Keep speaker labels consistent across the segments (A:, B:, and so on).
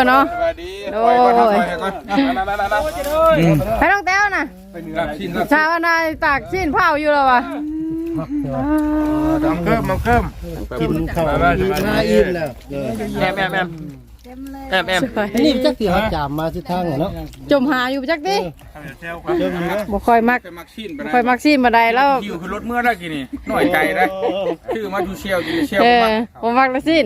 A: เนาะ
B: สวัสดี
A: โอ้ยไปน้องแต้วน่ะชาวนาตากชิ้นเผาอยู่แล้ววะ
B: มังเคิม
C: กินข้าวมาอิ่มแล้ว
B: แอม
C: นี่จักสิเฮาจามมาสิทางเนาะ
A: จมหาอยู่จักดิบ่ค่อยมักชิ้นมาได้แล้ว
B: คิวคือรถเมื่อได้กี่นี่หน่อยใจได้ชื่อมาดูเชียวจีเชียว
A: ผมมักละชิ้น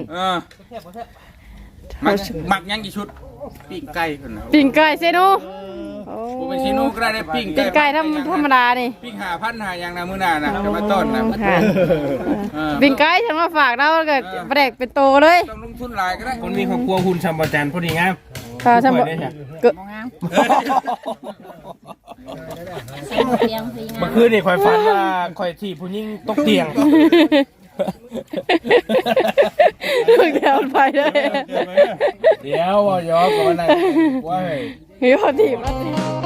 B: มักยังกี่ชุดปิ้งไก่คนนะ
A: ปิ้งไก่เซนู
B: ผมเป็นซีนูก็ได้ปิ้ง
A: ไก่ธรรมดานี่
B: ปิ้ง5,000หาอย่างนะมื้อหน้านะจะมาต้นนะ
A: ปิ้งไก่ฉันมาฝากเราแล้วก็ประเด็กเป็นโตเลย
B: ต้องลงทุนหลายก็ได้
D: คนมีครอบครัวหุ่นชัมบจันพอดีงาม
A: ค่ะชัมบเกิด
D: เมื่อคืนนี่คอยฝันว่าคอยที่ผู้หญิงตกเตียง
A: เดี๋ยวไปเลย
D: เดี๋ยวว่าย้อนก่อนนะว่า
A: เฮ้ยพอดีมา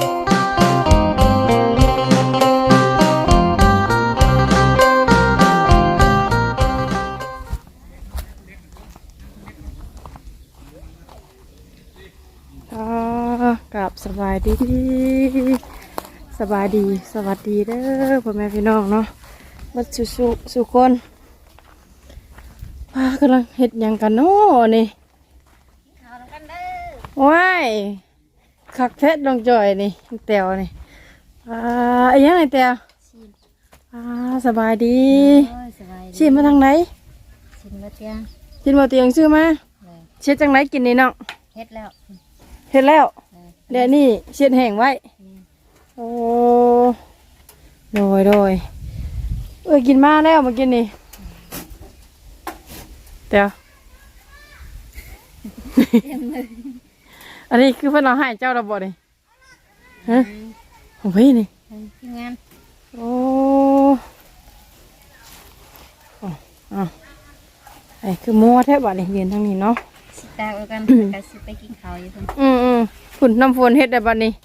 A: กับสบายดีสวัสดีเด้อพ่อแม่พี่น้องเนาะบัดสุคนป้ากำลังเฮ็ดหยังกันเนาะนี่ว้ายคักแท้ดองจ่อยนี่แตวนี่ยังไงแตวสบายดีชิมมาทางไหน
E: ชิมมาเตียง
A: ชื่อมาเช็ดจังไหนกินนี่น้อง
E: เฮ็ดแล้ว
A: เดี๋ยวนี่เช็ดแห้งไว้โอ้โดยกินมาแล้วมากินนี่เดี๋ยวอันนี้คือเพื่อนเราให้เจ้าระบบนี่ฮะของพี่นี่
E: งาน
A: โอ้ไอ้คือมัวแทบบ่นี่ยืนทางนี้เนาะ
E: สิตาเอากันกันสิไปกินข้าวอยู่เพิ่น
A: ฝุ่นน้ำฝนเฮ็ดได้บ่นี่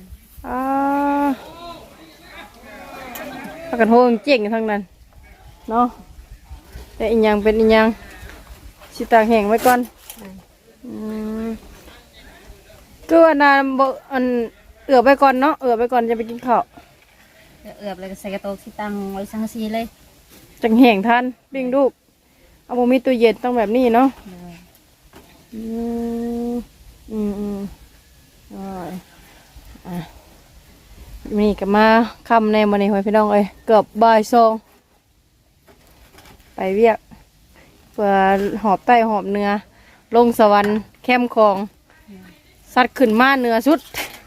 A: ปากกันโหงเจ๋งทั้งนั้นเนาะแต่อีกอย่างเป็นอีกอย่างสิตากแห้งไว้ก่อนก็อันนั้นอันเอือบไปก่อนเนาะเอือบไปก่อนจะไปกินข้าว
E: เอือบเลยก็ใส่กระโตกสิตังไว้สังซีเลย
A: จังแห้งทันปิ้งลูกเอาบ่มีตู้เย็นต้องแบบนี้เนาะนี่ก็มาคำในมันนี่หอยพี่น้องเอ้ยเกือบบ่ายสองไปเวียกเพื่อหอบใต้หอบเนื้อลงสวรรค์แคมคองสัตว์ขึ้นมาเนื้อสุด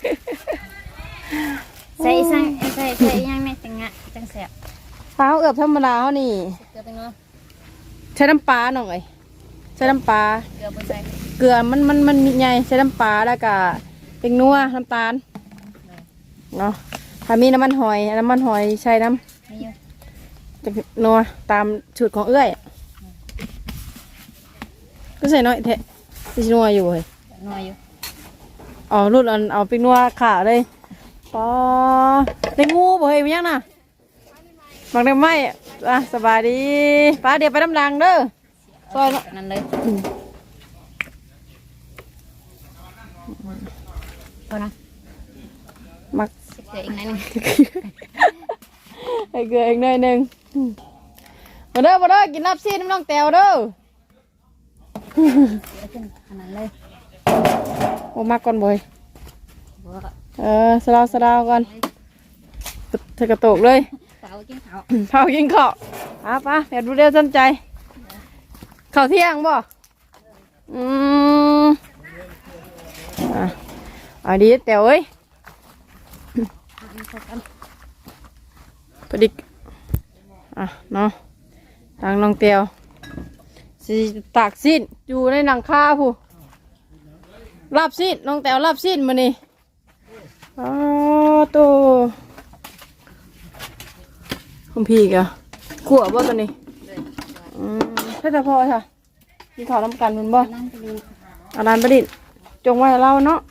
E: ใส่ยังในจังแสบ
A: ปลาเอือบธรรมดาเขานี่ใช้น้ำปลาหน่อยใช้น้ำปลาเกลือมันใหญ่ใช้น้ำปลาแล้วก็เป็นนัวน้ำตาลเนาะถ้ามีน้ำมันหอยใช้น้ำจะนัวตามสูตรของเอื้อยก็ใส่น้อยเทะที่นัวอยู่เลยรุ่นเอาเป็นนัวขาเลยปอได้งูบ่เฮ้ยมันยังน่ะบังได้ไหมสบายดีป้าเดี๋ยวไปน้ำรังเด้อซอย
E: นั่นเลยพอนะ
A: มัก
E: เกลืออีกหน่อยนึง
A: เกลืออีกหน่อยนึงมาเด้อกินลาบซีน้ำน้องแตวเด้อ
E: ขนาดเลย
A: โอ้มาก่อนบ่อยสลาวก่อนเธอกระโตกเลย
E: เผากินข้
A: าวป้าเดี๋ยวดูเร็วสนใจข้าวเที่ยงบ่ดีแต่เอ้ยพอดีเนาะทางน้องเตียวสิตากสิ้นอยู่ในหนังคาผู้ลาบสิ้นน้องแตวลาบสิ้นมานี่ตัวคุณพี่กะขั่วบ่ตัวนี้เพื่อพอค่ะกินข้าวน้ำกันมันบ่อาร้านประดิษฐ์จงไว้เราเนาะ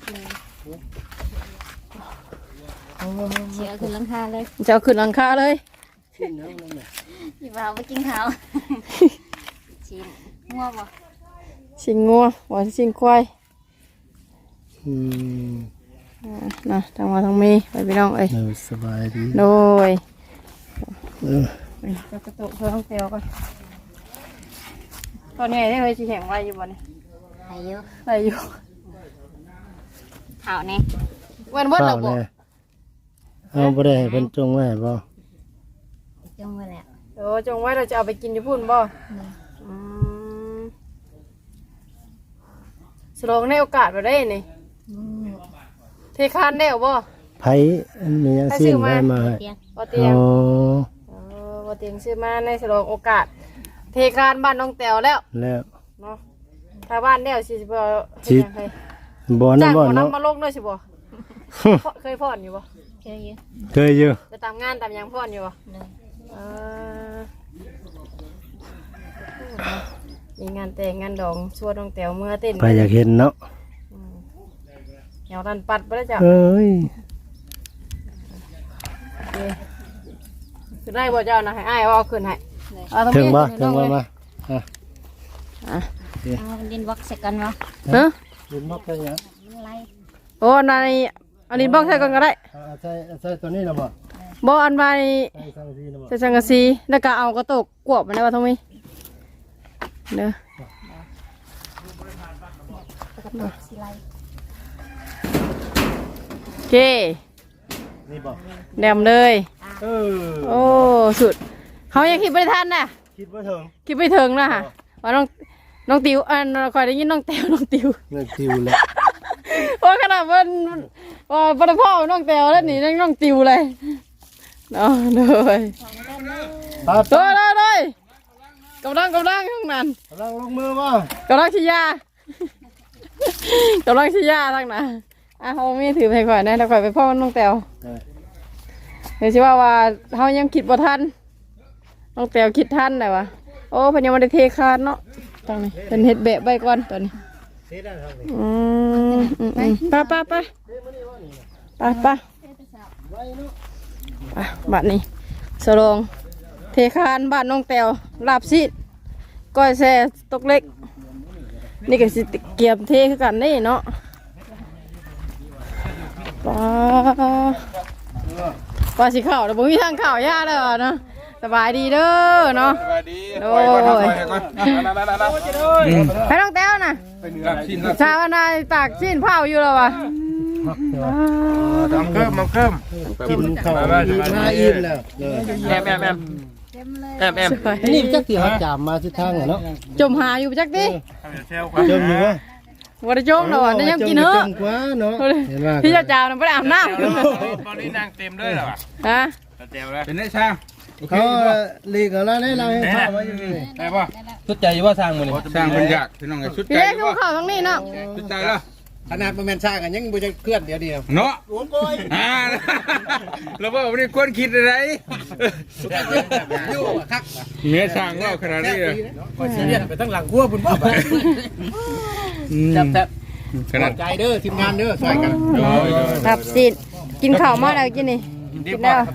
E: เสียขึ้นหลังคาเลย
A: จะเอาขึ้นหลังคาเลย
E: อยู่บ่าวไปกินข้าวชิงงัวบ่
A: ชิงงัวหวานชิงควาย
C: อืม
A: เนาะทางว่าทางมีไปพี่น้องเอ้ย
C: สบายดี
A: โดย
C: เออ
A: จะกระตุกเพื่อห้องเตียวก่อนตอนนี้ได้เลยสิแข่งไว้อยู่บ่เนี่ย
E: อายุ
A: ไว้อยู่
E: เท่าแน่
A: วันเบิด
C: เป
A: เรา
C: ล่า
A: บ่
C: แน่เอาบ่ได้ให้เพิ่นจงไว้ให้บ่
E: จงไว้แล้ว
A: โอ้จงไว้เราจะเอาไปกินที่พุ่นบ่อืมสลองในโอกาสบ่ได้นี่
E: อืม
A: เทคานได้บ่
C: ไผมีหยังสิ้นไว้มาให้
E: เตียง
A: บ่เตีย
C: อ๋
A: ง
C: อ
A: บ่เตียงซื้อมาในสลองโอกาส เทคานบ้านน้องแต๋วแล้ว
C: แล้ว
A: เนาะถ้าบ้านแล้วสิบ่
C: สิ
A: เฮ็ดหยังให้
C: บ่
A: จ้า
C: นั่
A: ง
C: นบ่
A: หมอ
C: เนาะ
A: น้ำมาลงด้วยสิบ่ เคยพ่อนอยู่บ่
E: เคยอยู่
C: เคยอยู่
A: จะตามงานตามหยังพ่อนอยู่บ่
E: เลย
A: เออมีงานแต่งงานดองชวนน้องแต๋วเมื่อเต้น
C: ไปอยากเห็นเนาะ
A: เหี่ยวรันปัดไปแล้วจ้ะ
C: เอ้ย
A: โอเคขึ้นได้บ่เจ้านะให้อ้ายว่าเอาขึ้นให้เอาตรง
C: ถึง
A: นี้
C: บ่
A: ขึ้น
C: ถึง
A: ล
C: บ่
A: เลย
C: มาอ่ะ
A: อ่ะ
E: เอาดินบล็อกใส่กันวะ
A: ฮะ
C: ดินบ่เป็นหยัง
E: มันไล่
A: โอ้นายอันนี้บอกใส่ก่อนก็ได้
C: ใส่ตัวนี้นะบ่
A: บ่อันใบ
C: ใส่สังสีนะบ่
A: ใส่สังกะสีแล้วก็เอากระตกกวบมาได้ว่าทงมีเด้อ
E: สิไล่
A: โอเค
C: นี่บ่
A: แดมเลย
C: เออ
A: โอ้สุดเขายังคิดไม่ทันน่ะ
C: คิดบ่ถึง
A: คิดไม่ถึงนะค่ะว่าน้องติวอันคอยได้ยินน้องแตวน้องติว
C: เงินติวแล้ว
A: เพราะขนาดมันว่าประพ่อน้องแตวแล้วนี่น้องติวเลยเนาะเลย
C: ครับ
A: เลยกำลังข้างนั้น
C: กำลังลงมือบ่
A: กำลังชี้ยากำลังชี้ยาทั้งนั้นอ่ะเขามีถือไปก่อนนะแล้วก่อนไปพ่อน้องแตวเดี๋ยวสิว่าเขายังคิดบ่ทันน้องแตวคิดทันได้วะโอ้เพิ่นยังไม่ได้เทคานเนาะตอนนี้เป็นเฮ็ดแบบใบก่อนตอนนี้ไปบัดนี้สลงเทคานบ้านน้องแตวลาบซีดก้อยแซ่ตกเล็กนี่ก็สิเกียบเทคือกันนี่เนาะป้าสิเข้าแต่บ่มีทางเข้ายากเลยเนาะสบายดีเด้อเนาะ
B: สวัสดี
A: โด
B: ปล่อยก่อน
A: ย
B: ปล่อยก่อน
A: ให้น้องแต้วน่ะ
B: รับชิ้นรับ
A: ชาวนาตากชิ้นเผาอยู่แล้ววะ
B: มังเคิมมังเคิม
C: กินข้าวอิ่มหน้าอิ่มแล้ว
B: แอม
E: เต็มเลย
C: นี่จักที่เขาจามมาที่ทางเนาะ
A: จมหาอยู่จักดิ
C: จมอยู่บ่
A: วันจมแล้วนี่ยังกินเหรอ
C: จมกว่าเนาะเห็นว่า
A: พี่เจ้าจ่าไม่ได้อาบน้ำ
B: ตอนนี้นางเต็มเลยเหรอ
A: ฮะ
B: เต็มเลยเป็นได้ช่าง
C: เขาลีกอะไรให้เราให้ข้าวไว้อยู่นี่
B: ได้ป่ะ
D: ชุดใจอยู่ว่าสร้างมันนี่
B: ช่างมันอยากพี่น้องไงชุด
A: พี่
B: ใจ
A: เล็กเขาเข้าทั้งนี้เนาะ
B: ชุดใจแล้ว
C: ขนาดมันแม่นซ่ากันยังบ่จะเคลื่อนเดียว
B: เนาะเราบอกว่าไม่ได้ควรคิดอะไรเมียช่างเล่าขนาดนี้เลย
C: ก็สิเรียนไปทั้งหลังครัวพุ่นบ่แซ่บ
B: ขนาด
C: ใจเด้อทีมงานเด้อช่วยกัน
A: ครับสิกินข้าวมาแล้วกินนี่กินแล้ว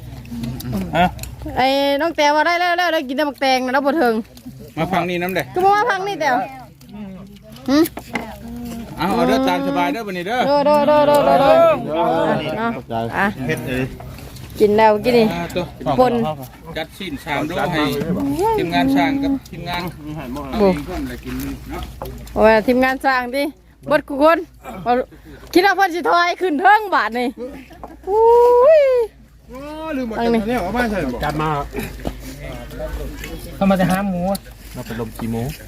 A: ไอ้น้องแตวว่าได้แล้วได้กินแต่หมักแตงนะเราบ่ถึง
B: มาฟังนี่น้ำเด้
A: ก็บอกว่าพังนี่แตวหืม
B: เอาเด้อตามสบายเด้อวันนี้เด้อ
A: โดเนาะอ่ะ
C: เฮ็ดเลย
A: กินแล้วกินนี่
B: ตัว
A: ปน
B: จัดชิ้นชามด้วยให้ทีมงานช่างกับทีมงานเอาเองคนเลยกินเนาะ
A: โอ้ยทีมงานสร้างดิเบดกูคนคิดว่าเพิ่นสิถอยขึ้นเทิงบาทนี่อุ้ย
B: ลืมหมดเนี่ยเอามาใส่บ่
C: จัดมา
D: เข้ามาจะหาหมู
C: เราเป็นลมกี่โมง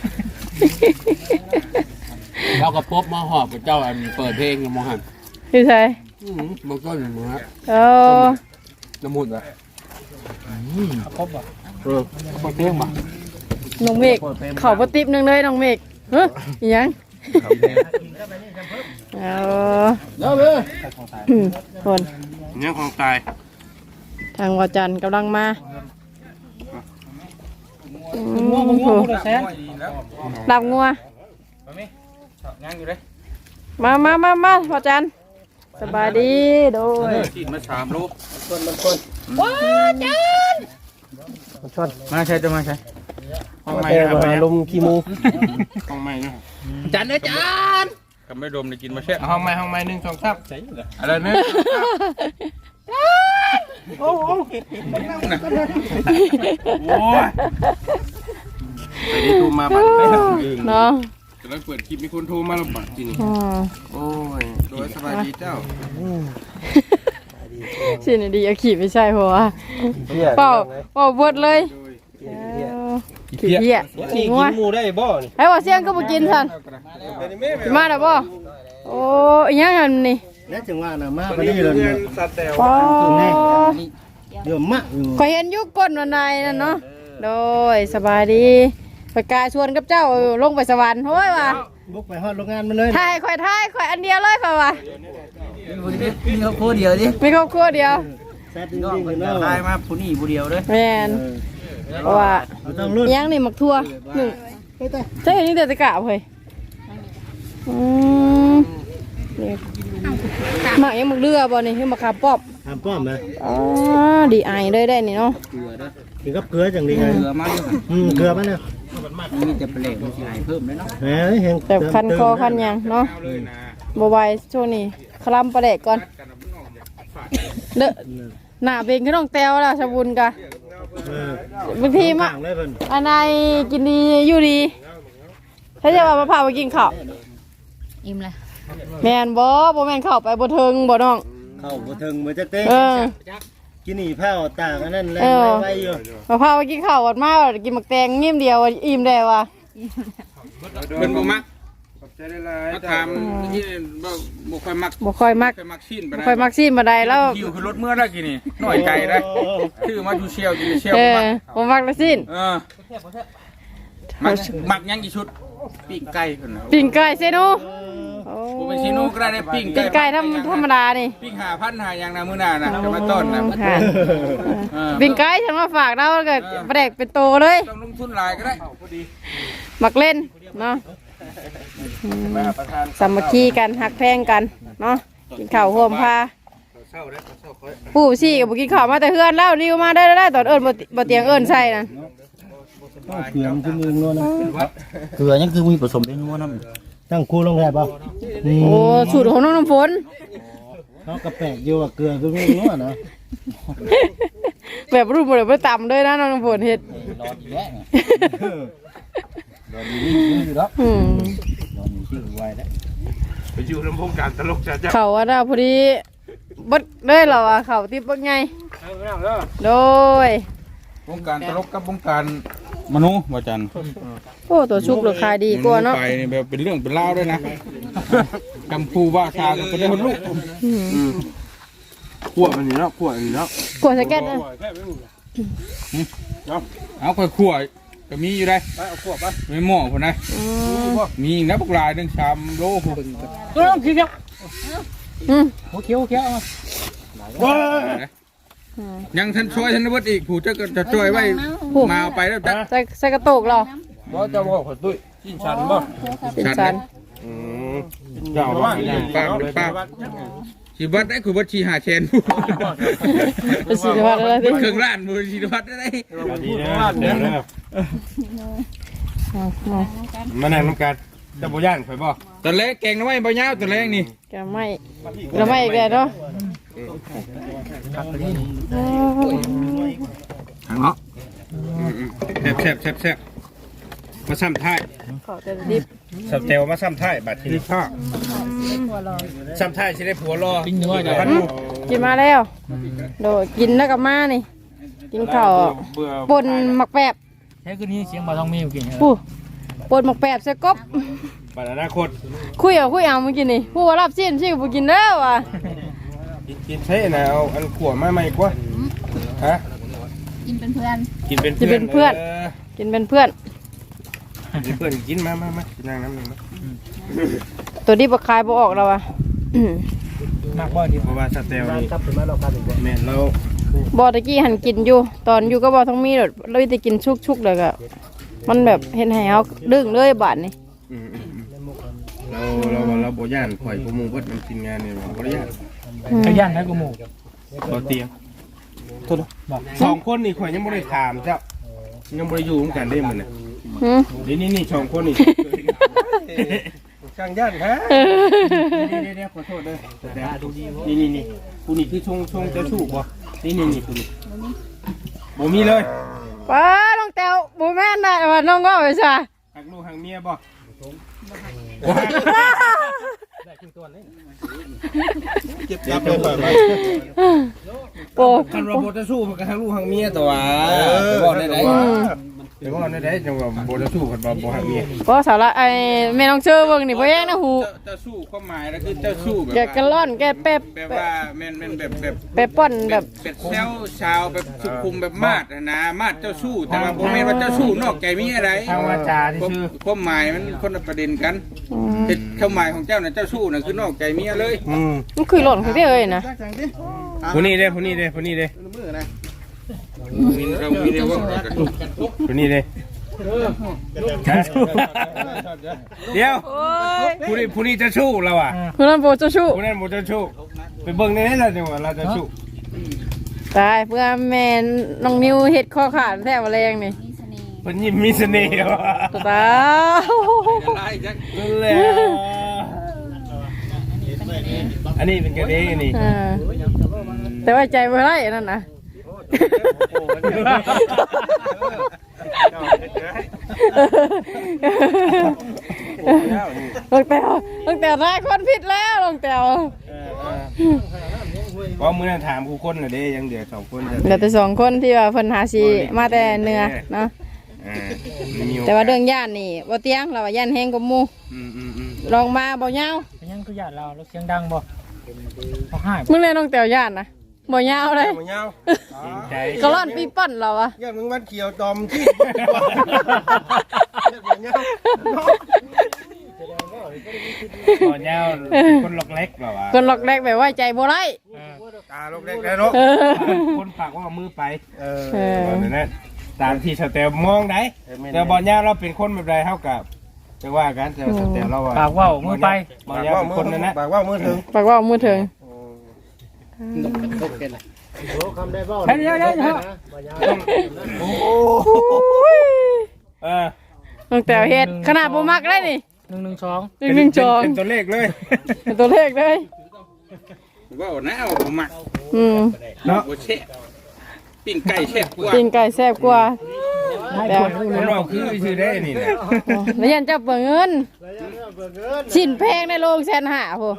C: เรากับพบมาหอบกับเจ้าอันเปิดเพลงมองหัน
A: คือไส
C: บางต้นมึงฮะ
A: โอ้
C: น้ำมุดอ่ะ
D: ครบอ่ะ
C: เปิดเพลงมา
A: น้องเมฆเข้าบ่ติบหนึงเลยน้องเมฆเฮ้ยอิหยังเอา
C: แล้วเว้ย
A: คน
B: เนี่ยของตาย
A: ทางวาจันทร์กำลังมาโอ้โห
B: แล้ว
A: ดับงัว
B: งานอยู่เลย
A: มาวาจันทร์สบายดีโดย
B: กินมา3 โล
A: วาจันทร์
B: มาใช่จะมาใช่ห้องใหม่
C: แต่ว่าลมกี่โมง
B: ห้องใหม่เนาะ
C: จันเด้อจัน
B: กกับไม่ดมได้กินมาแช่
D: ห้องไม้1 2 3ใส่เลย
B: อะไรเนี่ยโอ้โห
D: โอ้ยไปนี่ตูมาบัดไป
A: เนาะ
B: กำลังเปิดคลิปมีคนโทรมาแล้วบัดจริง
A: อ๋อ
D: โอ้ย
B: โดยสบายดีเจ้า
A: สิ่งดีเอาขี่ไม่ใช่เพราะว่าเปล่าบดเลยขี้เหี้ย
D: กิ
A: ขี้
D: น
A: งัว
D: หมูได้บ่นี่
A: ให้ว่าเสียงก็บ่กินซั่นมาแล้วบ่โอ้ยยังอันนี่
F: แล้วจังว่าน่ะมาพอดีเลยเนี่ย
D: สัตว์แต่
A: อ๋อ
F: เดี๋ยวมะอยู่
A: ขอยเห็นอยู่ก้นวันใดนั่นเนาะโดยสบายดีไปกายชวนกับเจ้าลงไปสวรรค์โห้ยว่ะ
F: บุกไปฮอดโรงงานมันเลย
A: ถ่ายข่อยอันเดียวเลยข่อยว่ะ
F: มีครอบครัวเดียวดิ
A: มีครอบครัวเดียว
F: แซ่บจริงๆเนาะ
D: ตายมาผู้นี้ผู้เดียวเด้อ
A: แม่นเพราะว่า
F: ต้องรุ่น
A: ยังนี่หมักทั่วหนึ่งใช่เห็นนี่แต่ตะกะเฮ้ยนี่หมักยังหมักเรือบ่นี่คือหมักขาปอบ
F: ทำป้อมนะ
A: อ๋อดีไอเลยได้นี่เนาะ
F: กินกับเกลือจังดีไง
D: เกลือมาอยู่
F: เกลือมันเนี่ย
D: มีแต่เปลกมันสิหายเพิ่มเลยเนาะ
F: แหมเห็น
A: แต่คันคอคันหยังเนาะบ่ไหวช่วงนี้คลำปลาแดกก่อนเด้อหน้าเบงก็ต้องแต้วแล้วชะบุญกะบางทีมา
F: ต่างเลยเพิ่น
A: อันไหนกินดีอยู่ดีถ้าจะว่ามาพาไปกินข้าว
E: อิ่มเลย
A: แม่นบ่แม่นข้าวไปบ่เทิงบ่น้อง
F: เข้าบ่ถึงบ่จักเต้
A: เออ
F: กินนี่แพ้วตากอันนั้นแล่
A: เออ
F: ไว้อยู่
A: มาพาไปกินข้าวอดมากินหมักแตงเงียบเดียวอิ่มได้ว่ะ
B: เป็นบ่มัก
D: ขอบใจได้หลาย
B: มาถามที่บ่ค่อยมัก
A: บ่ค่อยมัก
B: ค่อยมักชิ้นไป
A: บ่ค่อยมักซีนบ่ได้แล้ว
B: คิวคือรถเมื่อได้กี่นี่หน่อยไกลได้ชื่อมาดูเชียวกินเชียว
A: เออ
B: มัก
A: บ่มักละซีน
B: มักยังกี่ชุดปิ้งไก่คนนะ
A: ปิ้งไก่เซโนโอ้
B: บ่เป็นชิโน่ก็ได้ได้ปิ้ง
A: ปิ้งไก่ธรรมดานี่
B: ปิ้ง5,000หาอย่างนะมื้อหน้านะจะมาต้อนนะ
A: ค่ะปิ้งไก่ฉันมาฝากเราแล้วก็ปลาแดกเป็นโตเลย
B: ต้องลงทุนหลายก็ได้
A: มักเล่นเนาะสามัคคีกันหักแพงกันเนาะกินข้าวห่วมพาผู้ชี่กับบุกินข้าวมาแต่เฮือนแล้วริวมาได้ตอนเอิญบ่เตียงเอิญใส่นะ
F: เกลือมันคือมือนัวนะ
C: เกลือยังคือมีผสมได้นัวน้
F: ตั้งคู่ลงแทบป่ะ
A: โอ้สูตรของน้องน้ำฝน
F: เขากระแปะอยู่ว่าเกลือคือมือนัวนะ
A: แบบรุ่นบ่ได้ต่ำเลยนะน้องน้ำฝนเฮ็ด
C: ำรอดีแล้ว
A: อืม
C: รอมีชื่อไว้แล้ว
D: ไปอยู่ลำโพงการตลกจ้า
A: เขาว่าน่ะพอดีบดเลยเหรอวะเขาติบบักไงโดยว
B: งการตลกกับวงการมนุษย์บ่จัน
A: โอ้ตัวชุกราคายดีกว่าเนาะ
B: ไปนี่แบบเป็นเรื่องเป็นเล่าวด้วยนะกำพูว่าชาก็เป็นคนลูก
D: ขวดมันนี่เนาะขวดนี่เนาะ
A: กลัวสแก็ตนะ
B: เอาค่อยขั่วก็มีอยู่ได้
D: ไปเอาขวดไป
B: ไม่หม้อคนนะ
A: อืม
B: มีนับปลายนึง3 โลพุ่น
A: อืม
C: โอเคเอา
B: ยังท่านช่วยท่านวัดอีกผู้จะช่วยไว้มาเอาไปแล้วจ้ะ
A: ใส่กระโตกเหรอ
D: บ่จะบอกขอตุ้ยกินชันบ่
A: สินชัน
D: เจ้าว่า
B: ป้าชีวัดได้คือวัดชีหาเชนผู้
A: เป็นสินวัตอะไรสิ
B: เครื่องร้านมือชีวัดได้
D: ดีนะเดี๋ยวนะมานั่งน้ำกันจะบ่ย่านข่อยบ่
B: ตอนแรกแกงน้ำไม้ใบยาวตอนแรกนี่
A: แกไม่เราไม่อีกแล้วเนาะ
B: ทางเนาะแซ่บมาซ้ำท้าย
A: ขอแต่ดิบ
D: สับเตลมาซ้ำท้ายบัดทีนี้ข้าซ้ำท้ายสิได้ผัวรอ
C: ปิ้งเนื้อ
D: เดี๋ยว
C: จ้ะ
D: พันดู
A: กินมาแล้วโดดกินแล้วกับมานี่ กินข้าว
D: เบื่อ
A: ปนหมักแปบ
C: แค่คืนนี้เสียงบาทองมีอยู่กิน
A: ผู้ปนหมักแปบใส่กบ
D: บัดอนาคต
A: คุยเอาเมื่อกี้นี่ผู้ว่ารับสิ้นชื่อผู้กินแล้วอ่ะ
D: กินใช่นะเอาอันขวดมาใหม่กว่าฮะ
E: กินเป็นเพื่อน
D: กินเป็นเพื่อน
A: กินเป็นเพื่อน
D: เพื่อนกินมากินนั่งน้ำหนึ่ง
A: ตัวนี้บกคายบออกแล้วอ่ะ
C: มากบ่ดี
D: เพราะว่าสเตลนี่แม่นเรา
A: บอตะกี้หันกินอยู่ ตอนอยู่ก็บอทั้งมีเลยเราจะกินชุกๆเลยก็มันแบบเห็นแหวดึงเลยบาดนี่
D: เราโบย่านข่อยกูมูเบิดมันกินงานเนี่ยโบย่าน
C: ขยันนะกูหมู
D: เราเตียงสองคนนี่ข่อยยังไม่ได้ถามเจ้ายังไม่ได้อยู่ร่วมกันได้เหมือนน่ะ
A: หืม
D: นี่สองคนนี่ช่างย่านฮะเดี๋ยวขอโทษเลยนี่ผู้นี้คือชงเจ้าชู้บ่นี่ผู้นี้บ่มีเลย
A: ป้าน้องแต้วบ่แม่นได้ว่าน้องว่าไปซะ
D: หักลูกหักเมียบ่เจ็บจับเลยไป
A: โอ้
D: คันว่าบ่จะสู้มันก็หักลูกหักเมียตัวบอกได้เดี๋ยวบอกได้จังว่าบ่จะสู้กันบ่หักเมีย
A: ก็สาระไอ้แม่น้องเชื่อเบิ่งนี่บ่แย่งนะหู
B: เจ้าสู้ความหมายแล้วคือเจ้าสู้แบบ
A: แกกะล่อนแกเป๊บ
B: แบบว่าแม่นแบบ
A: ไปป้อนแบบ
B: เป็ดเซลชาวแบบสุขุมแบบมาดนะมาดเจ้าสู้แต่ว่าบ่แม่นว่าเจ้าสู้นอกใจมีอะไร
D: ทางวาจาที่ชื่อ
B: ความหมายมันคนละประเด็นกันความหมายของเจ้าน่ะเจ้าสู้น่ะคือนอกใจเมียเลย
A: มันคือหล่นของพี่เอ้ยนะ
D: ผู้นี้เด้
B: มีเรามีเดียวว่ากัน
D: ผู้นี้เด้เดี๋ยว
A: โอ้ย
D: ผู้นี้จะสู้เราอ่ะ
A: คือนั่นบ่จะชู้
D: ผู้นั้นบ่จะสู้ไปเบิ่งในนั้นแล้วจังว่าเราจะสู้
A: ตายเพื่อแม่น้องนิวเฮ็ดข้อขาดแท้บ่แรงนี่
E: มีเสน่ห์
D: เพิ่นยิ้มมีเสน่ห์ว่ะ
A: ตา
B: ไล่จัง
D: นั่นแหละอันนี้เป็นกระเด้นี่
A: แต่ว่าใจบ่ได้นั่นน่ะลงแตวได้คนผิดแล้วลงแตว
D: เพราะมื้อนั้นถามกูคนน่ะเด้ยังเดือ2คน
A: เหลือแต่สองคนที่ว่าเพิ่นหาสิมาแต่เหนือเนาะแต่ว่าเรื่องย่านนี่บ่เตียงเราว่าย่านแฮงกว่าหมู่ลองมาบ่ยาว
F: ยังคือญาติเราเสียงดังบ่เขาให้
A: มึงเลยน้องแตวย่านนะบ่ยาวเลย
D: บ่ยาวใจ
A: ก็ร่อนปีปั้นเราอะ
D: ย่ามึงวันเขียวตอมที่บ่ยาวคนล็อกเล็กเหรอวะ
A: คนหลอกแรกแบบว่าใจบ่ได้
D: ตาล็อกเล็กแล้วเนาะคนปากว่ามือไปนั่นตามที่สเตลมองได้แต่บ่ยาวเราเป็นคนแบบใดเท่ากับจะว่ากันแต่สเตลเราว่า
F: ปากว่าวมือไป
D: บ่ยาวเป็นคนนั่นนะปากว่ามือถึง
A: ปากว่ามือถึง
F: เฮ้ยเดี๋ยว
A: น้องแตวเฮ็ดขนาดบ่มักได้นี่
F: 112
A: 112
D: เป็นตัวเลขเลย
A: เป็นตัวเลขเลย
B: ว่าหน้าบ่มัก
D: เนาะ
B: บ่แช่ปิ้งไก่แช่กว่า
A: กินไก่แซ่บกว่าแต่
D: คนเราคือชื่อได้นี่นะ
A: แล้วยันจะเบิกเงินชิ้นแพงในโรง150,000โห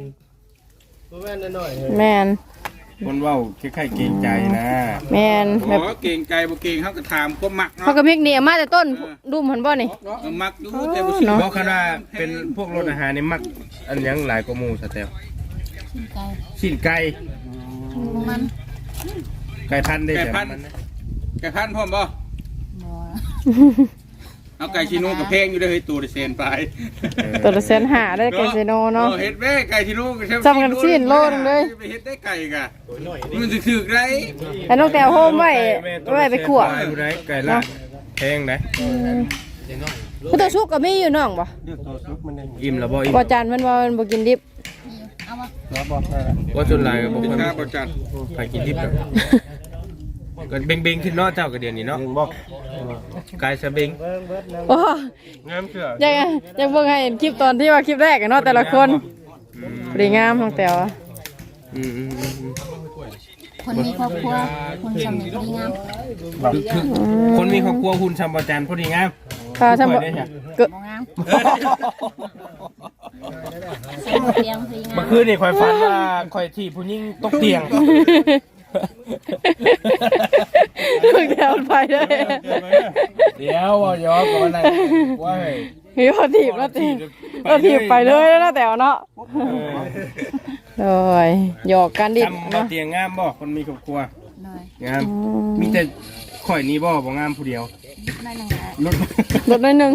A: แม่น
D: คนว่าคล้ายๆเกรงใจนะ
A: แม่นแบบ
B: บ่เก่งใจบ่เก่งเฮาก็ถามความมัก
A: เขา
B: เนาะ
A: ก็มิกนี่เอามาแต่ต้นดุมหันบ่นี่
B: มักอยู่แต่บ่สิ
A: เนาะ
D: เพราะคณะเป็นพวกรถอาหารนี่มักอันยังหลายกว่าหมู่สเตล
E: ชิ้นไก่
D: ชิ้นไก่
E: มัน
D: ไก่พันธุ์ได้
B: ไก่
D: แต่
B: พัน
D: มัน
B: ไก่พันพร้อมบ่
E: บ่
B: เอาไก่ชิโน่กับเพลงอยู่ได้เฮ้ยตัวได้เซนไป
A: ตัวละ150,000ได้ไก่เซโนเนาะ
B: เฮ็ดแม่ไก่ชิโน่ก็
A: ซ้ำกันสิ้นโลนึงเลย
B: ไปเฮ็ดได้ไก่กะมันสิถึกได้
A: แล้วน้องแตวโฮมไว้ไปขั่ว
D: อยู่ไหนไก่ละแพงไหน
A: ผู้ตัวชุกก็มีอยู่น้องบ่
D: อิ่มแล้วบ่อิ่ม
A: บ่จานมันบ่กินดิบ
E: เอามา
D: ว่าจนหลายก็บ่
B: เป็น
D: ค่อย
B: ค่าประจัด
D: ไปกินทิพย์ดอกก็เบ่งๆขึ้นเนาะเจ้าก็เดี๋ยวนี้เนาะไก่สะเบ่ง
A: โอ้
D: งามเชื่อ
A: ยังเบิ่งให้เห็นคลิปตอนที่ว่าคลิปแรกอะเนาะแต่ละคนสวยงามน้องแตวอะ
D: อืม
E: คนมีครอบครัวคนสำเร็จดีงาม
D: คนมีครอบครัวคุณชำประจันพอดีงาม
A: ค่ะทำบ่
D: ได้จ้ะ
A: เกิด
E: บ่งามเสียงเตียงดีงา
D: เมื่อ
E: ม
D: คืนนี่ข่อยฝันว่าข่อยที่ผู้หญิงตกเตียง
A: น้องแตวไปเลย
D: เดี๋ยวว่าย้อนก่อนอะไรว่าเฮ้ย
A: มีพอถีบแล้วถีบไปเลยแล้วนะแตวเนาะโอ้ยหยอกกันดิ
D: ทำบ่เตียงงามบ่คนมีครอบครัว
E: หน่อย
D: งามมีแต่ข่อยนี้บ่งามผู้เดียว
E: ได้หนึ่งแล้ว
D: รถ
A: ลดหน่อยหนึง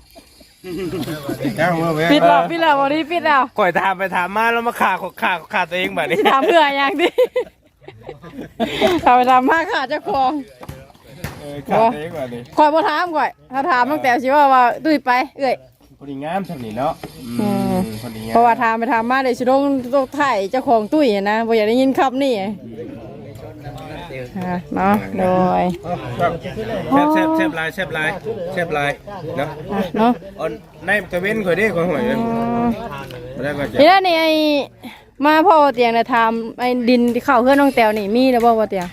D: จ้างเมื่อเว้ย
A: ปิดแล้ววันนี้ปิดแล้ว
D: ข่อยถามไปถามมาแล้วมาขาตัวเองแบบนี้
A: ที่ถามเพื่ออย่างดิถามไปถามมากค่ะเจ้าของ
D: ขาตัวเองแบบนี้
A: คอยบ่ถามก่อยถ้าถามตั้งแต่สิว่าตุ้ยไปเอ้ย
D: พอดีงามทำนี่เนาะพอดีงาม
A: เพราะว่าถามไปถามมาเลยสิลงถ่ายเจ้าของตุ้ยนะบ่อยากได้ยินคำนี่เนาะโดย
D: แซ่บลายเนาะ
A: เนาะ
D: อันในตะเว้นข่อยเด้ข่อยหวยแล้วก็จะ
A: ทีนี้ไอ้มาพ่อเตียงน่ะถามไอ้ดินที่เข้าเฮือนน้องแต้วนี่มีแล้วบ่ว่าเตียง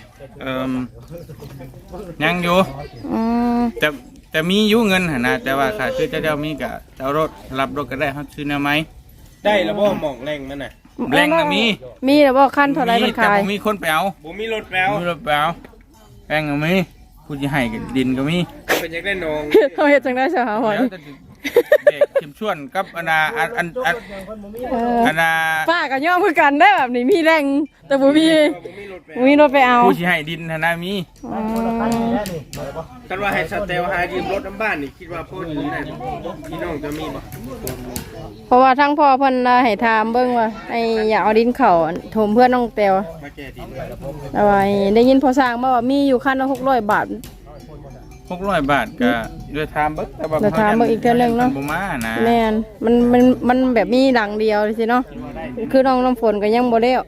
B: ยังอยู่
A: อืม
B: แต่มีอยู่เงินหั่นนะแต่ว่าค่ะคือเจ้ามีก็เจ้ารถรับรถก็ได้เฮาซื้อแนวไหม
D: ได้แล้วบ่หม่องแรงมันน่ะ
B: แรงน่ะมี
A: มีแล้วบ่คันเท่าไหร่มัน
B: แต่
A: ขาย
B: บ่มีคนไปเอา
D: บ่มีรถแปลว
B: มีรถไปเอาแรงก็มีผู้สิให้ก็ดินก็มี
D: เป็นจังได้นอง
A: เขาเฮ็ดจังได๋ซะหาหอย
B: แล้วแต่สิเด็กเข้มชวนกับอันน่ะอันน่ะ
A: ป้าก็ยอมคือกันได้แบบนี้มีแรงแต่บ่มีรถไปเอา
B: ผู้สิให้ดินหั่นน่ะมี
A: อืม
D: กันว่าให้สเตลหายืมรถน้ำบ้านนี่คิดว่าพอดีได้บ่พี่น้องจะมีบ่
A: เพราะว่าทั้งพ่อเพิ่นน่ะให้ถามเบิ่งว่าไอ้อยากเอาดินเข้าถมเพื่อนน้องแต้ว
D: มาแก้ดิน
A: แต่ว่าได้ยินพอสร้างมาว่ามีอยู่คันละ600 บาท
B: 600 บาทก็ด้วยทามเบิกแต่ว่า
A: เดี๋ยวถามเบิ่งอีกเทื่อนึงเนาะ
B: บ่มานะ
A: แม่นมันแบบมีหลังเดียวสิเนาะคือน้องน้ำฝนก็ยังบ่แล้ว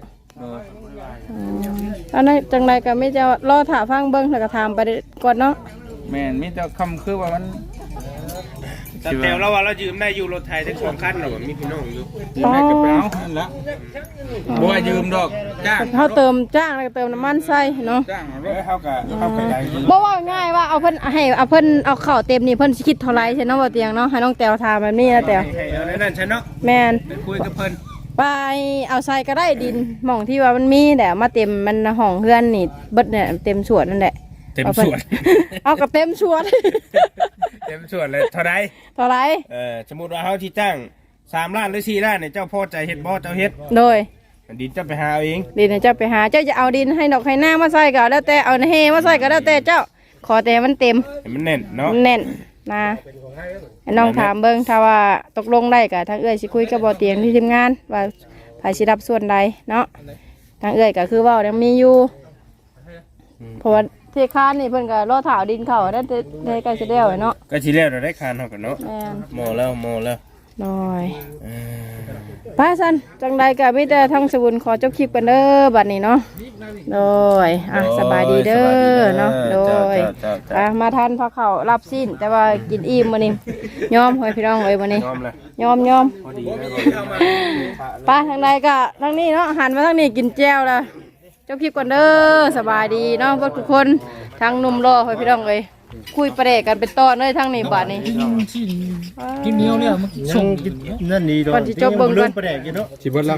A: อันนั้นจังไรก็ไม่จะรอถาฟังเบิ่งแล้วก็ถามไปก่อนเนาะ
B: แม่นมีแต่คำคือว่ามัน
D: สเตลเราว่าเรายืมได้อยู่รถไทยทั้ง2คันหรอมีพี่น้องอยู่
B: ยืมให้กับไปเอานั่นละบ่ว่ายืมดอกจ้าง
A: เขาเติมจ้างแล้วก็เติมน้ำมันใส่เนาะ
B: จ้างเอาร
D: เอ้
B: ถ
D: ยเฮาก็ได้
A: บ่ว่าง่ายว่าเอาเพิ่นเอาเข้าเต็มนี่เพิ่นสิคิดเท่าไหร่ใช่เนาะบ่เตียงเนาะให้น้องแต้วถามแบบนี้นะแต้ว
D: ให้เอาในนั้นใช่เนาะ
A: แม่น
D: ไปคุยกับเพิ่น
A: ไปเอาใส่ก็ได้ดินหม่องที่ว่ามันมีแต่มาเต็มมันห้องเฮือนนี่เบิดเนี่ยเต็มสวนนั่นแหละ
D: เต็มสวน
A: เอากับเต็มสวน
D: เต็มสวนเลยเท่าใด
A: เท่าไหร่
D: สมมุติว่าเฮาที่จ้าง3ล้านหรือ4ล้านเนี่ยเจ้าพอใจเฮ็ดบ่เจ้าเฮ็ด
A: โดย
D: ดินจะไปหาเอาเอง
A: ดินให้เจ้าไปหาเจ้าจะเอาดินให้ดอกให้หน้ามาใส่ก็แล้วแต่เอาเฮมาใส่ก็แล้วแต่เจ้าขอแต่มันเต็ม
D: ให้มันแน่นเนาะ
A: แน่นนะให้น้องถามเบิ่งถ้าว่าตกลงได้ก็ทางเอื้อยสิคุยกับบ่อเตียงที่ทีมงานว่าไผสิรับส่วนใดเนาะทางเอื้อยก็คือเว้ายังมีอยู่เพราะว่าเทคานนี่เพิ่นก็รอถาวดินเข้าได้ได้ใกล้สิแล้วเนาะ
D: ก็สิแล้วได้คานเฮากันเนาะ
A: แม่น
D: หมอแล้ว
A: น้อยป้าสันจังใดก็มีแต่ทั้งสบุญขอจบคลิปกันเด้อบัดนี้เนาะโดยสบายดีเด้อเนาะโดยมาทานพาข้าวรับสิ้นแต่ว่ากินอิ่มมื้อนี้ยอมให้พี่น้องเอ้ยมื้อนี้
D: ยอมเลย
A: ยอม
D: พอดีเลย
A: ป้าทางใดก็ทางนี้เนาะหันมาทางนี้กินแจ่วละจบคลิปก่อนเด้อสบายดีเนาะทุกคนทางหนุ่มรอให้พี่น้องเอ้ยคุยประเดกกันเป็นตอนเลยทางนี้บัดนี้
F: กินเหนียวเนี่ยมันส่งนั่นนี่ดอก
A: ก่อนสิจบเบิ่งก่อน
F: ประแดกอยู่เนาะ
D: สิเบิดแล้ว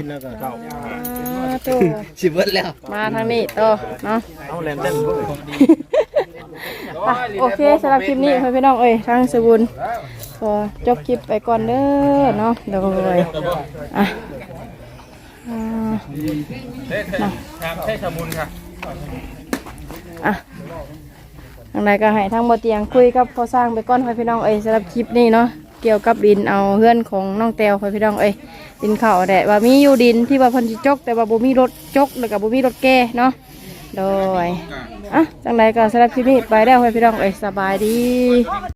F: สิเบิดแล้ว
A: มาทางนี้ต่อเนาะ
D: เอาแลนเต้นบ่
A: โอเคสำหรับคลิปนี้พี่น้องเอ้ยทางสบุญขอจบคลิปไปก่อนเด้อเนาะเดี๋ยวเลย
B: ถามใช่สมุนค่ะ
A: ทางใดก็ให้ทางบ่เตียงคุยกับพอสร้างไปก่อนพี่น้องเอ้ยสำหรับคลิปนี้เนาะเกี่ยวกับดินเอาเฮือนของน้องแต้วพี่น้องเอ้ยดินเข่าแดดว่ามีอยู่ดินที่ว่าเพิ่นสิจกแต่ว่าบ่มีรถจกแล้วก็บ่มีรถแก่เนาะโดยจังใดก็สำหรับคลิปนี้ไปแล้วพี่น้องเอ้ยสบายดี